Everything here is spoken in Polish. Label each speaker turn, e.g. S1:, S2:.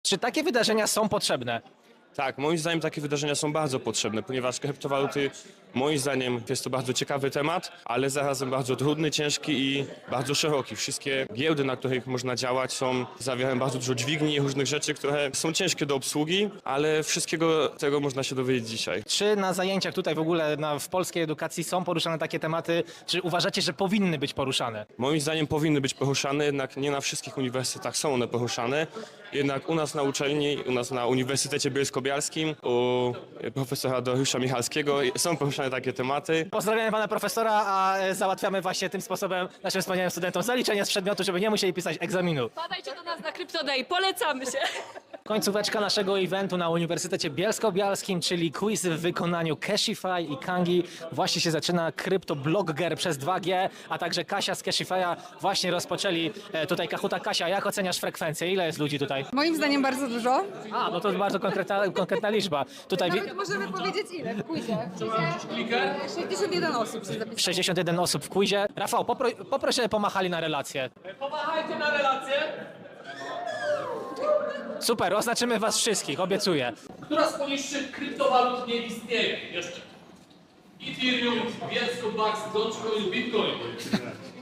S1: Czy takie wydarzenia są potrzebne?
S2: Tak, moim zdaniem takie wydarzenia są bardzo potrzebne, ponieważ kryptowaluty, moim zdaniem jest to bardzo ciekawy temat, ale zarazem bardzo trudny, ciężki i bardzo szeroki. Wszystkie giełdy, na których można działać, zawierają bardzo dużo dźwigni i różnych rzeczy, które są ciężkie do obsługi, ale wszystkiego tego można się dowiedzieć dzisiaj.
S1: Czy na zajęciach tutaj w ogóle w polskiej edukacji są poruszane takie tematy? Czy uważacie, że powinny być poruszane?
S2: Moim zdaniem powinny być poruszane, jednak nie na wszystkich uniwersytetach są one poruszane. Jednak u nas na uczelni, u nas na Uniwersytecie Bielsko-Białskim, u profesora Dariusza Michalskiego są poruszane takie tematy.
S1: Pozdrawiamy pana profesora, a załatwiamy właśnie tym sposobem naszym wspaniałym studentom zaliczenie z przedmiotu, żeby nie musieli pisać egzaminu.
S3: Wpadajcie do nas na Crypto Day, polecamy się!
S1: Końcóweczka naszego eventu na Uniwersytecie Bielsko-Białskim, czyli quiz w wykonaniu Cashify i Kangi. Właśnie się zaczyna Kryptoblogger przez 2G, a także Kasia z Cashify'a właśnie rozpoczęli tutaj Kahuta. Kasia, jak oceniasz frekwencję? Ile jest ludzi tutaj?
S4: Moim zdaniem bardzo dużo.
S1: A, no to bardzo konkretna liczba. Tutaj
S4: Nawet możemy powiedzieć ile w quizie. 61 osób się zapisało.
S1: 61 osób w quizie. Rafał, poproś, żeby pomachali na relację.
S5: Pomachajcie na relację.
S1: Super, oznaczymy was wszystkich, obiecuję.
S5: Która z poniższych kryptowalut nie istnieje jeszcze? Ethereum, Bielsko, Bax, Dogecoin, Bitcoin.